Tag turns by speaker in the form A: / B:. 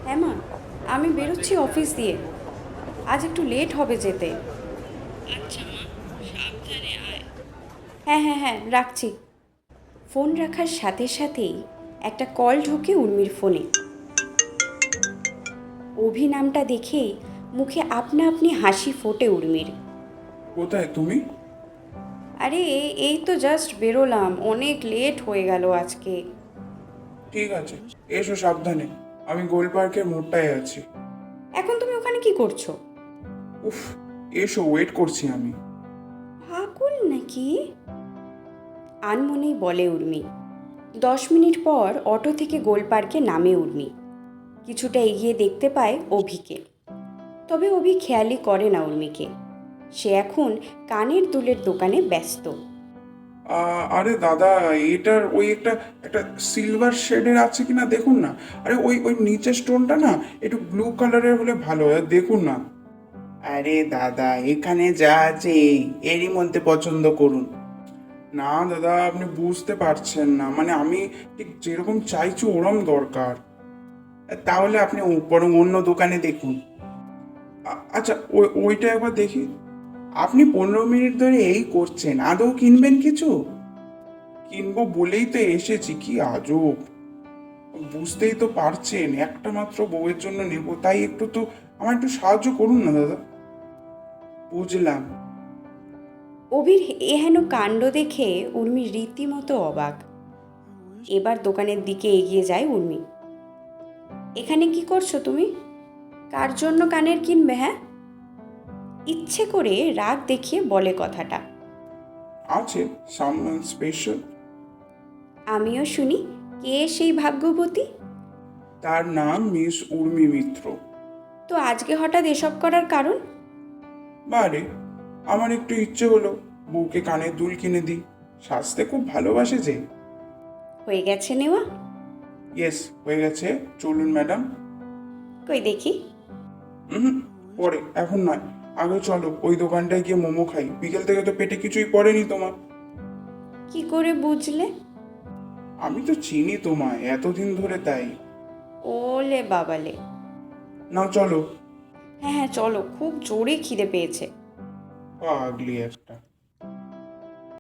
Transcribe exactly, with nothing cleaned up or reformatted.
A: হ্যাঁ মা, আমি বেরোচ্ছি অফিস দিয়ে। আজ একটু লেট হবে যেতে।
B: আচ্ছা মা, সাবধানে আয়।
A: হ্যাঁ হ্যাঁ হ্যাঁ, রাখছি। ফোন রাখার সাথে সাথেই একটা কল ঢোকে উর্মির ফোনে। অভি নামটা দেখেই মুখে আপনা আপনি হাসি ফোটে উর্মির।
C: কোথায় তুমি?
A: আরে এই তো জাস্ট বেরোলাম, অনেক লেট হয়ে গেল আজকে।
C: ঠিক আছে, এসো সাবধানে। আমি গোল পার্কের মোড়টায় আছি।
A: এখন তুমি ওখানে কি করছো?
C: উফ, এসো, ওয়েট করছি আমি।
A: পাগল নাকি? আনমনেই বলে উর্মি। দশ মিনিট পর অটো থেকে গোল পার্কে নামে উর্মি। কিছুটা এগিয়ে দেখতে পায় অভিকে। তবে অভি খেয়ালই করে না উর্মিকে। সে এখন কানের দুলের দোকানে ব্যস্ত।
C: আহ, আরে দাদা, এটার ওই একটা একটা সিলভার শেডের আছে কিনা দেখুন না। আরে ওই ওই নিচের স্টোনটা না একটু ব্লু কালারের হলে ভালো হয়, দেখুন না। আরে দাদা, এখানে যা আছে এই এরই মধ্যে পছন্দ করুন। না দাদা, আপনি বুঝতে পারছেন না, মানে আমি ঠিক যেরকম চাইছি ওরম দরকার। তাহলে আপনি ও- বরং অন্য দোকানে দেখুন। আ- আচ্ছা, ওই ওইটা একবার দেখি। আপনি পনেরো মিনিট ধরে এই করছেন, আদৌ কিনবেন কিছু? কিনবো বলেই তো এসেছি, কি আজব। বুঝতেই তো পারছেন, একটা মাত্র বউয়ের জন্য নেব, তাই একটু তো আমার একটু সাহায্য করুন না দাদা। বুঝলাম।
A: অভির এহেন কাণ্ড দেখে উর্মি রীতিমতো অবাক। এবার দোকানের দিকে এগিয়ে যায় উর্মি। এখানে কি করছো তুমি? কার জন্য কানের কিনবে, হ্যাঁ? ইচ্ছে করে রাগ দেখিয়ে বলে কথাটা।
C: আছে, সামওয়ান স্পেশাল।
A: আমিও শুনি, কে সেই ভাগ্যবতী?
C: তার নাম মিস উর্মি মিত্র।
A: তো আজকে হঠাৎ এসব করার কারণ?
C: বারে, আমার একটু ইচ্ছে হলো বউকে কানের দুল কিনে দিই। সাজতে খুব ভালোবাসে যে।
A: হয়ে গেছে নেওয়া?
C: ইয়েস, হয়ে গেছে। চলুন ম্যাডাম।
A: কই দেখি।
C: হুম, পরে, এখন নয়। আগে চলো ওই দোকানটায় গিয়ে মোমো খাই, বিকেল থেকে তো পেটে কিছুই পড়েনি তোমার।
A: কি করে বুঝলে?
C: আমি তো চিনি তোমায় এতদিন ধরে, তাই।
A: ওলে বাবালে।
C: নাও চলো।
A: হ্যাঁ হ্যাঁ চলো, খুব জোরে খিদে পেয়েছে।
C: পাগলি একটা।